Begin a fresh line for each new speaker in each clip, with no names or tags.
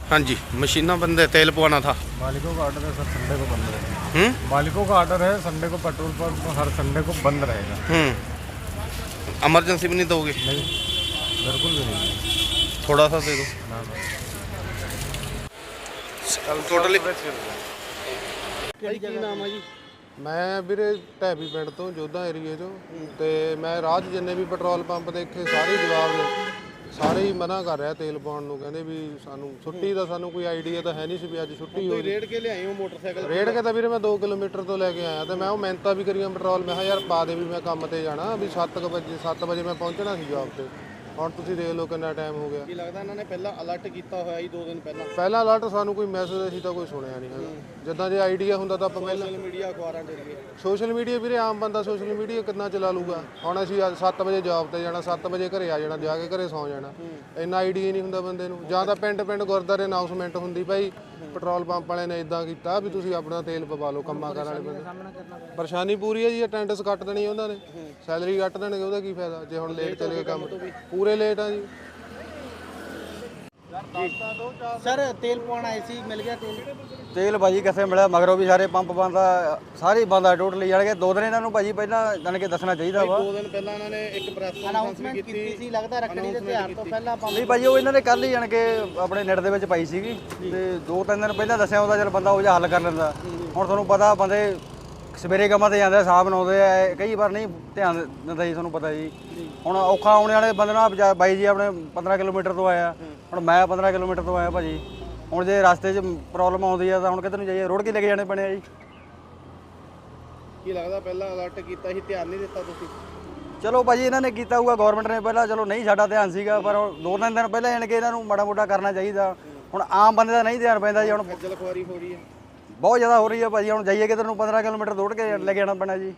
हाँ जी, मशीना बंद है, तेल पवाना था।
मालिकों का ऑर्डर है सर, संडे को बंद रहेगा। मालिकों का ऑर्डर है, संडे को पेट्रोल पंप हर संडे को बंद रहेगा।
इमरजेंसी भी नहीं दोगे?
नहीं, बिल्कुल भी नहीं।
थोड़ा सा दे दो
ना
टोटली।
ਕੀ ਨਾਮ ਹੈ ਜੀ?
ਮੈਂ ਵੀਰੇ ਢੈਬੀ ਪਿੰਡ ਤੋਂ ਜੋਧਾ ਏਰੀਏ 'ਚੋਂ ਤੇ ਮੈਂ ਰਾਹ 'ਚ ਜਿੰਨੇ ਵੀ ਪੈਟਰੋਲ ਪੰਪ ਦੇਖੇ ਸਾਰੇ ਜਵਾਬ ਨੇ, ਸਾਰੇ ਹੀ ਮਨਾ ਕਰ ਰਿਹਾ ਤੇਲ ਪਾਉਣ ਨੂੰ। ਕਹਿੰਦੇ ਵੀ ਸਾਨੂੰ ਛੁੱਟੀ ਦਾ ਸਾਨੂੰ ਕੋਈ ਆਈਡੀਆ ਤਾਂ ਹੈ ਨਹੀਂ ਸੀ ਵੀ ਅੱਜ ਛੁੱਟੀ ਹੋਈ।
ਰੇਡ ਕੇ ਲਿਆਏ ਹੋ ਮੋਟਰਸਾਈਕਲ?
ਰੇਡ ਕੇ ਤਾਂ ਵੀਰੇ ਮੈਂ 2 ਕਿਲੋਮੀਟਰ ਤੋਂ ਲੈ ਕੇ ਆਇਆ ਤੇ ਮੈਂ ਉਹ ਮਿਹਨਤਾਂ ਵੀ ਕਰੀਆਂ ਪੈਟਰੋਲ। ਮੈਂ ਕਿਹਾ ਯਾਰ ਪਾ ਦੇ ਵੀ ਮੈਂ ਕੰਮ ਤੇ ਜਾਣਾ, ਵੀ 7 ਵਜੇ ਮੈਂ ਪਹੁੰਚਣਾ ਸੀ ਜੌਬ ਤੇ। ਹੁਣ ਤੁਸੀਂ ਦੇਖ ਲਓ ਕਿੰਨਾ ਟਾਈਮ ਹੋ ਗਿਆ।
ਕੀ ਲੱਗਦਾ ਇਹਨਾਂ ਨੇ ਪਹਿਲਾਂ ਅਲਰਟ ਕੀਤਾ ਹੋਇਆ ਜੀ 2 ਦਿਨ ਪਹਿਲਾਂ?
ਪਹਿਲਾਂ ਅਲਰਟ ਸਾਨੂੰ ਕੋਈ ਮੈਸੇਜ ਅਸੀਂ ਤਾਂ ਕੋਈ ਸੁਣਿਆ ਨਹੀਂ ਹੈਗਾ। ਜਿੱਦਾਂ ਜੇ ਆਈਡੀਆ ਹੁੰਦਾ ਤਾਂ ਆਪਾਂ ਪਹਿਲਾਂ
ਸੋਸ਼ਲ ਮੀਡੀਆ ਅਖਬਾਰਾਂ ਦੇ ਜ਼ਰੀਏ।
ਸੋਸ਼ਲ ਮੀਡੀਆ ਵੀਰੇ ਆਮ ਬੰਦਾ ਸੋਸ਼ਲ ਮੀਡੀਆ ਕਿੰਨਾ ਚਲਾ ਲੂਗਾ। ਹੁਣ ਅਸੀਂ 7 ਵਜੇ ਜੌਬ ਤੇ ਜਾਣਾ, 7 ਵਜੇ ਘਰੇ ਆ ਜਾਣਾ, ਜਾ ਕੇ ਘਰੇ ਸੌਂ ਜਾਣਾ। ਇੰਨਾ ਆਈਡੀਆ ਨਹੀਂ ਹੁੰਦਾ ਬੰਦੇ ਨੂੰ। ਜਾਂ ਤਾਂ ਪਿੰਡ ਗੁਰਦਾਰੇ ਅਨਾਉਂਸਮੈਂਟ ਹੁੰਦੀ ਭਾਈ ਪੈਟਰੋਲ ਪੰਪ ਵਾਲਿਆਂ ਨੇ ਇਦਾਂ ਕੀਤਾ ਵੀ ਤੁਸੀਂ ਆਪਣਾ ਤੇਲ ਪਵਾ ਲਓ। ਕੰਮਾਂ ਕਾਰ ਵਾਲੇ ਬੰਦੇ ਪਰੇਸ਼ਾਨੀ ਪੂਰੀ ਹੈ ਜੀ। ਅਟੈਂਡੈਂਸ ਕੱਟ ਦੇਣੀ ਉਹਨਾਂ ਨੇ, ਸੈਲਰੀ ਕੱਟ ਦੇਣਗੇ, ਉਹਦਾ ਕੀ ਫਾਇਦਾ ਜੇ ਹੁਣ ਲੇਟ ਚਲੇ ਗਏ ਕੰਮ। ਪੂਰੇ ਲੇਟ ਆ ਜੀ।
ਸਰ ਤੇਲ ਪਵਾਉਣ ਆਏ ਸੀ, ਮਿਲ ਗਿਆ
ਤੇਲ ਭਾਜੀ ਕਿੱਥੇ ਮਿਲਿਆ? ਮਗਰੋਂ ਵੀ ਸਾਰੇ ਪੰਪ ਬੰਦ ਆ, ਸਾਰੇ ਬੰਦ ਆ ਟੋਟਲੀ। ਜਾਣ ਕੇ 2 ਦਿਨ ਇਹਨਾਂ ਨੂੰ ਭਾਜੀ ਪਹਿਲਾਂ ਜਾਣ ਕੇ ਦੱਸਣਾ ਚਾਹੀਦਾ ਵਾ।
2 ਦਿਨ ਪਹਿਲਾਂ ਇਹਨਾਂ ਨੇ ਇੱਕ ਪ੍ਰੈਸ ਅਨਾਉਂਸਮੈਂਟ ਕੀਤੀ ਸੀ, ਲੱਗਦਾ ਰੱਖੜੀ ਦੇ ਤਿਉਹਾਰ ਤੋਂ ਪਹਿਲਾਂ ਪੰਪ।
ਨਹੀਂ ਭਾਜੀ, ਉਹ ਇਹਨਾਂ ਨੇ ਕੱਲ ਹੀ ਜਾਣ ਕੇ ਆਪਣੇ ਨੈਟ ਦੇ ਵਿੱਚ ਪਾਈ ਸੀਗੀ ਤੇ 2-3 ਦਿਨ ਪਹਿਲਾਂ ਦੱਸਿਆ ਉਹਦਾ ਚਲ ਬੰਦਾ ਉਹ ਜਿਹਾ ਹੱਲ ਕਰ ਲੈਂਦਾ। ਹੁਣ ਤੁਹਾਨੂੰ ਪਤਾ ਬੰਦੇ ਸਵੇਰੇ ਕੰਮਾਂ ਤੇ ਜਾਂਦੇ, ਸਾਹਬ ਬਣਾਉਂਦੇ ਆ, ਕਈ ਵਾਰ ਨਹੀਂ ਧਿਆਨ ਦਿੰਦਾ ਜੀ, ਤੁਹਾਨੂੰ ਪਤਾ ਜੀ। ਹੁਣ ਔਖਾ ਆਉਣੇ ਵਾਲੇ ਬੰਦੇ ਨਾਲ ਬਾਈ ਜੀ ਆਪਣੇ 15 ਕਿਲੋਮੀਟਰ ਤੋਂ ਆਇਆ, ਹੁਣ ਮੈਂ 15 ਕਿਲੋਮੀਟਰ ਤੋਂ ਆਇਆ ਭਾਜੀ। ਹੁਣ ਜੇ ਰਸਤੇ 'ਚ ਪ੍ਰੋਬਲਮ ਆਉਂਦੀ ਆ ਤਾਂ ਹੁਣ ਕਿੱਧਰ ਨੂੰ ਜਾਈਏ? ਰੋਡ ਕੇ ਲੈ ਕੇ ਜਾਣੇ ਪੈਣੇ ਆ ਜੀ।
ਕੀ ਲੱਗਦਾ ਪਹਿਲਾਂ ਅਲਰਟ ਕੀਤਾ ਸੀ, ਧਿਆਨ ਨਹੀਂ ਦਿੱਤਾ ਤੁਸੀਂ?
ਚਲੋ ਭਾਜੀ ਇਹਨਾਂ ਨੇ ਕੀਤਾ ਹੋਊਗਾ, ਗਵਰਨਮੈਂਟ ਨੇ ਪਹਿਲਾਂ, ਚਲੋ ਨਹੀਂ ਸਾਡਾ ਧਿਆਨ ਸੀਗਾ, ਪਰ 2-3 ਦਿਨ ਪਹਿਲਾਂ ਜਾਣ ਕੇ ਇਹਨਾਂ ਨੂੰ ਮਾੜਾ ਮੋਟਾ ਕਰਨਾ ਚਾਹੀਦਾ। ਹੁਣ ਆਮ ਬੰਦੇ ਦਾ ਨਹੀਂ ਧਿਆਨ ਪੈਂਦਾ ਜੀ। ਹੁਣ
ਖੱਜਲ ਖੁਆਰੀ ਹੋ ਰਹੀ ਹੈ,
ਬਹੁਤ ਜ਼ਿਆਦਾ ਹੋ ਰਹੀ ਹੈ ਭਾਜੀ। ਹੁਣ ਜਾਈਏ ਕਿੱਧਰ ਨੂੰ? 15 ਕਿਲੋਮੀਟਰ ਦੌੜ ਕੇ ਲੈ ਕੇ ਆਉਣਾ ਪੈਣਾ ਜੀ।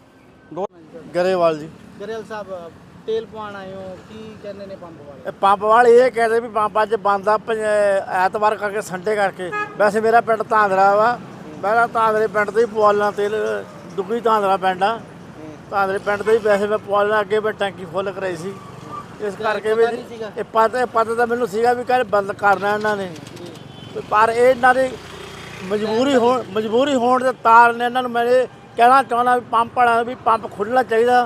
ਗਰੇਵਾਲ ਜੀ।
ਗਰੇਵਾਲ ਸਾਹਿਬ ਤੇਲ ਪਵਾਉਣ ਆਏ ਹੋ, ਕੀ ਕਹਿੰਦੇ ਨੇ ਪੰਪ ਵਾਲੇ?
ਪੰਪ ਵਾਲੇ ਇਹ ਕਹਿੰਦੇ ਵੀ ਪੰਪ ਅੱਜ ਬੰਦ ਆ ਐਤਵਾਰ ਕਰਕੇ, ਸੰਡੇ ਕਰਕੇ। ਵੈਸੇ ਮੇਰਾ ਪਿੰਡ ਧਾਂਦਰਾ ਵਾ, ਮੈਂ ਧਾਂਦਰੇ ਪਿੰਡ ਤੋਂ ਹੀ ਪਵਾਲਣਾ ਤੇਲ। ਦੁੱਗੀ ਧਾਂਦਰਾ ਪਿੰਡ ਆ, ਧਾਂਦਰੇ ਪਿੰਡ ਤੋਂ ਹੀ ਵੈਸੇ ਮੈਂ ਪਵਾਲਣਾ। ਅੱਗੇ ਮੈਂ ਟੈਂਕੀ ਫੁੱਲ ਕਰਾਈ ਸੀ, ਇਸ ਕਰਕੇ ਵੀ ਇਹ ਪਤਾ ਤਾਂ ਮੈਨੂੰ ਸੀਗਾ ਵੀ ਕਹਿੰਦੇ ਬੰਦ ਕਰਨਾ ਇਹਨਾਂ ਨੇ, ਪਰ ਇਹ ਇਹਨਾਂ ਦੀ ਮਜਬੂਰੀ ਹੋਣ ਦੇ ਤਾਰ ਨੇ ਇਹਨਾਂ ਨੂੰ ਮੈਂ ਕਹਿਣਾ ਚਾਹੁੰਦਾ ਵੀ ਪੰਪ ਵਾਲਿਆਂ ਨੂੰ ਵੀ ਪੰਪ ਖੁੱਲ੍ਹਣਾ ਚਾਹੀਦਾ,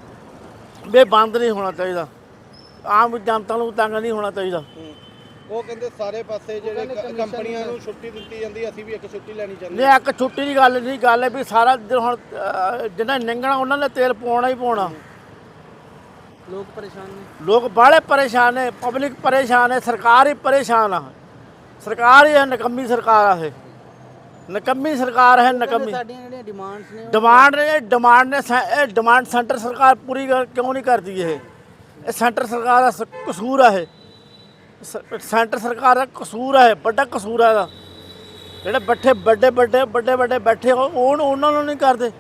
ਵੀ ਬੰਦ ਨਹੀਂ ਹੋਣਾ ਚਾਹੀਦਾ। ਆਮ ਜਨਤਾ ਨੂੰ ਤੰਗ ਨਹੀਂ ਹੋਣਾ ਚਾਹੀਦਾ।
ਉਹ ਕਹਿੰਦੇ ਸਾਰੇ ਪਾਸੇ ਜਿਹੜੇ ਕੰਪਨੀਆਂ ਨੂੰ ਛੁੱਟੀ ਦਿੱਤੀ ਜਾਂਦੀ, ਅਸੀਂ ਵੀ ਇੱਕ ਛੁੱਟੀ ਲੈਣੀ ਚਾਹੁੰਦੇ।
ਨਹੀਂ, ਇੱਕ ਛੁੱਟੀ ਦੀ ਗੱਲ ਨਹੀਂ, ਗੱਲ ਹੈ ਵੀ ਸਾਰਾ ਹੁਣ ਜਿਹਨਾਂ ਨਿੰਗਣਾ ਉਹਨਾਂ ਨੇ ਤੇਲ ਪਾਉਣਾ ਹੀ ਪਾਉਣਾ।
ਲੋਕ ਪਰੇਸ਼ਾਨ ਨੇ,
ਲੋਕ ਬਾਹਲੇ ਪਰੇਸ਼ਾਨ ਨੇ, ਪਬਲਿਕ ਪਰੇਸ਼ਾਨ ਹੈ, ਸਰਕਾਰ ਹੀ ਪਰੇਸ਼ਾਨ ਆ। ਸਰਕਾਰ ਹੀ ਹੈ ਨਕੰਮੀ ਸਰਕਾਰ ਆ, ਇਹ ਨਕੰਮੀ ਸਰਕਾਰ ਹੈ, ਨਕੰਮੀ।
ਸਾਡੀਆਂ ਜਿਹੜੀਆਂ ਡਿਮਾਂਡਸ ਨੇ,
ਇਹ ਡਿਮਾਂਡ ਸੈਂਟਰ ਸਰਕਾਰ ਪੂਰੀ ਕਿਉਂ ਨਹੀਂ ਕਰਦੀ? ਇਹ ਸੈਂਟਰ ਸਰਕਾਰ ਦਾ ਕਸੂਰ ਆ। ਇਹ ਸੈਂਟਰ ਸਰਕਾਰ ਦਾ ਕਸੂਰ ਹੈ, ਵੱਡਾ ਕਸੂਰ ਹੈ ਇਹਦਾ। ਜਿਹੜੇ ਵੱਡੇ ਬੈਠੇ ਉਹਨਾਂ ਨੂੰ ਨਹੀਂ ਕਰਦੇ,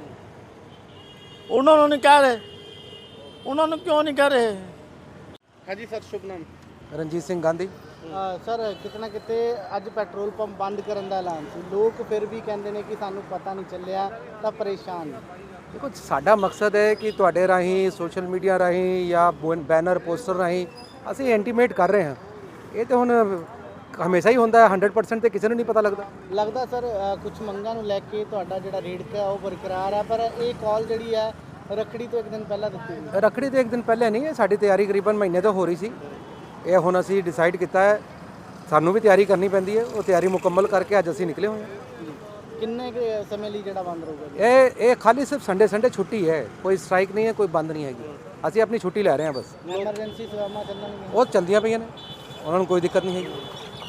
ਉਹਨਾਂ ਨੂੰ ਨਹੀਂ ਕਹਿ ਰਹੇ, ਉਹਨਾਂ ਨੂੰ ਕਿਉਂ ਨਹੀਂ ਕਹਿ ਰਹੇ?
ਹਾਂਜੀ ਸਰ, ਸ਼ੁਭ ਨਾਮ?
ਰਣਜੀਤ ਸਿੰਘ ਗਾਂਧੀ।
ਸਰ ਕਿਤੇ ਕਿਤੇ ਅੱਜ ਪੈਟਰੋਲ ਪੰਪ ਬੰਦ ਕਰਨ ਦਾ ਐਲਾਨ ਸੀ, ਲੋਕ ਫਿਰ ਵੀ ਕਹਿੰਦੇ ਨੇ ਕਿ ਸਾਨੂੰ ਪਤਾ ਨਹੀਂ ਚੱਲਿਆ, ਤਾਂ ਪਰੇਸ਼ਾਨ ਨੇ।
ਦੇਖੋ, ਸਾਡਾ ਮਕਸਦ ਹੈ ਕਿ ਤੁਹਾਡੇ ਰਾਹੀਂ, ਸੋਸ਼ਲ ਮੀਡੀਆ ਰਾਹੀਂ ਜਾਂ ਬੈਨਰ ਪੋਸਟਰ ਰਾਹੀਂ ਅਸੀਂ ਇੰਟੀਮੇਟ ਕਰ ਰਹੇ ਹਾਂ। ਇਹ ਤਾਂ ਹੁਣ ਹਮੇਸ਼ਾ ਹੀ ਹੁੰਦਾ ਹੈ, 100% ਤੇ ਕਿਸੇ ਨੂੰ ਨਹੀਂ ਪਤਾ
ਲੱਗਦਾ ਸਰ ਕੁਝ ਮੰਗਾਂ ਨੂੰ ਲੈ ਕੇ ਤੁਹਾਡਾ ਜਿਹੜਾ ਰੇਟ ਹੈ ਉਹ ਬਰਕਰਾਰ ਹੈ, ਪਰ ਇਹ ਕਾਲ ਜਿਹੜੀ ਹੈ ਰੱਖੜੀ ਤੋਂ 1 ਦਿਨ ਪਹਿਲਾਂ ਦਿੱਤੀ ਹੋਈ?
ਰੱਖੜੀ ਤੋਂ 1 ਦਿਨ ਪਹਿਲੇ ਨਹੀਂ ਹੈ, ਸਾਡੀ ਤਿਆਰੀ ਕਰੀਬਨ ਮਹੀਨੇ ਤੋਂ ਹੋ ਰਹੀ ਸੀ। ਇਹ ਹੁਣ ਅਸੀਂ ਡਿਸਾਈਡ ਕੀਤਾ ਹੈ, ਸਾਨੂੰ ਵੀ ਤਿਆਰੀ ਕਰਨੀ ਪੈਂਦੀ ਹੈ। ਉਹ ਤਿਆਰੀ ਮੁਕੰਮਲ ਕਰਕੇ ਅੱਜ ਅਸੀਂ ਨਿਕਲੇ ਹੋਏ ਹਾਂ।
ਕਿੰਨੇ ਸਮੇਂ ਲਈ ਜਿਹੜਾ ਬੰਦ ਰਹੂਗਾ?
ਇਹ ਖਾਲੀ ਸਿਰਫ ਸੰਡੇ ਛੁੱਟੀ ਹੈ, ਕੋਈ ਸਟ੍ਰਾਈਕ ਨਹੀਂ ਹੈ, ਕੋਈ ਬੰਦ ਨਹੀਂ ਹੈਗੀ। ਅਸੀਂ ਆਪਣੀ ਛੁੱਟੀ ਲੈ ਰਹੇ ਹਾਂ ਬਸ।
ਐਮਰਜੈਂਸੀ ਸੇਵਾਵਾਂ ਚੱਲਣਗੀਆਂ?
ਉਹ ਚਲਦੀਆਂ ਪਈਆਂ ਨੇ, ਉਹਨਾਂ ਨੂੰ ਕੋਈ ਦਿੱਕਤ ਨਹੀਂ ਹੈਗੀ।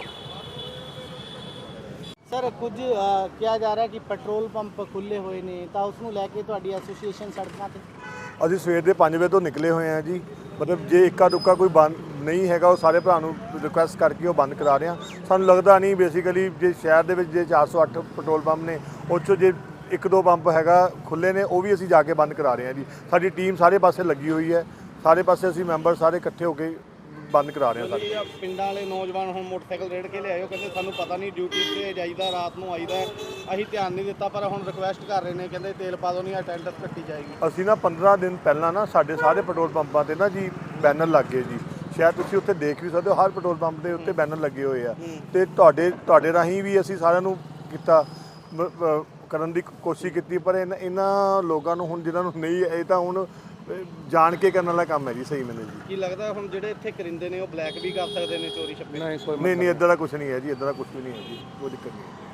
ਸਰ ਕੁਝ ਕਿਹਾ ਜਾ ਰਿਹਾ ਕਿ ਪੈਟਰੋਲ ਪੰਪ ਖੁੱਲ੍ਹੇ ਹੋਏ ਨੇ, ਤਾਂ ਉਸ ਨੂੰ ਲੈ ਕੇ ਤੁਹਾਡੀ ਐਸੋਸੀਏਸ਼ਨ ਸੜਕਾਂ 'ਤੇ?
ਅਸੀਂ ਸਵੇਰ ਦੇ 5 ਵਜੇ ਤੋਂ ਨਿਕਲੇ ਹੋਏ ਹਾਂ ਜੀ। ਮਤਲਬ ਜੇ ਇੱਕਾ ਦੁੱਕਾ ਕੋਈ ਬੰਦ ਨਹੀਂ ਹੈਗਾ, ਉਹ ਸਾਰੇ ਭਰਾ ਨੂੰ ਰਿਕੁਐਸਟ ਕਰਕੇ ਉਹ ਬੰਦ ਕਰਾ ਰਹੇ ਹਾਂ। ਸਾਨੂੰ ਲੱਗਦਾ ਨਹੀਂ ਬੇਸਿਕਲੀ ਜੇ ਸ਼ਹਿਰ ਦੇ ਵਿੱਚ ਜੇ 408 ਪੈਟਰੋਲ ਪੰਪ ਨੇ, ਉਹ 'ਚੋਂ ਜੇ 1-2 ਪੰਪ ਹੈਗਾ ਖੁੱਲ੍ਹੇ ਨੇ, ਉਹ ਵੀ ਅਸੀਂ ਜਾ ਕੇ ਬੰਦ ਕਰਾ ਰਹੇ ਹਾਂ ਜੀ। ਸਾਡੀ ਟੀਮ ਸਾਰੇ ਪਾਸੇ ਲੱਗੀ ਹੋਈ ਹੈ, ਸਾਰੇ ਪਾਸੇ ਅਸੀਂ ਮੈਂਬਰ ਸਾਰੇ ਇਕੱਠੇ ਹੋ ਕੇ ਬੰਦ ਕਰਾ ਰਹੇ ਹਾਂ। ਸਾਡੇ
ਪਿੰਡਾਂ ਵਾਲੇ ਨੌਜਵਾਨ ਹੁਣ ਮੋਟਰਸਾਈਕਲ ਰੇੜ ਕੇ ਲਿਆਇਓ, ਕਹਿੰਦੇ ਸਾਨੂੰ ਪਤਾ ਨਹੀਂ, ਡਿਊਟੀ ਤੇ ਜਾਈਦਾ, ਰਾਤ ਨੂੰ ਆਈਦਾ, ਅਸੀਂ ਧਿਆਨ ਨਹੀਂ ਦਿੱਤਾ, ਪਰ ਹੁਣ ਰਿਕੁਐਸਟ ਕਰ ਰਹੇ ਨੇ, ਕਹਿੰਦੇ ਤੇਲ ਪਾ ਦਿਓ ਨਹੀਂ ਅਟੈਂਡੈਂਸ ਕੱਟੀ ਜਾਏਗੀ।
ਅਸੀਂ ਨਾ 15 ਦਿਨ ਪਹਿਲਾਂ ਨਾ ਸਾਡੇ ਸਾਰੇ ਪੈਟਰੋਲ ਪੰਪਾਂ 'ਤੇ ਨਾ ਜੀ ਬੈਨਰ ਲੱਗ ਗਏ ਜੀ, ਸ਼ਾਇਦ ਤੁਸੀਂ ਉੱਥੇ ਦੇਖ ਵੀ ਸਕਦੇ ਹੋ, ਹਰ ਪੈਟਰੋਲ ਪੰਪ ਦੇ ਉੱਤੇ ਬੈਨਰ ਲੱਗੇ ਹੋਏ ਆ ਤੇ ਤੁਹਾਡੇ ਰਾਹੀਂ ਵੀ ਅਸੀਂ ਸਾਰਿਆਂ ਨੂੰ ਕੀਤਾ ਕਰਨ ਦੀ ਕੋਸ਼ਿਸ਼ ਕੀਤੀ, ਪਰ ਇਹਨਾਂ ਲੋਕਾਂ ਨੂੰ ਹੁਣ ਜਿਨ੍ਹਾਂ ਨੂੰ ਨਹੀਂ, ਇਹ ਤਾਂ ਹੁਣ ਜਾਣ ਕੇ ਕਰਨ ਵਾਲਾ ਕੰਮ ਹੈ ਜੀ। ਸਹੀ ਮੈਨੂੰ ਜੀ
ਕੀ ਲੱਗਦਾ ਹੁਣ ਜਿਹੜੇ ਇੱਥੇ ਕਰਿੰਦੇ ਨੇ ਉਹ ਬਲੈਕ ਵੀ ਕਰ ਸਕਦੇ ਨੇ, ਚੋਰੀ ਛੱਪੇ?
ਨਹੀਂ ਇੱਦਾਂ ਦਾ ਕੁਝ ਨਹੀਂ ਹੈ ਜੀ, ਇੱਦਾਂ ਦਾ ਕੁਝ ਵੀ ਨਹੀਂ ਹੈ ਜੀ, ਕੋਈ ਦਿੱਕਤ ਨਹੀਂ।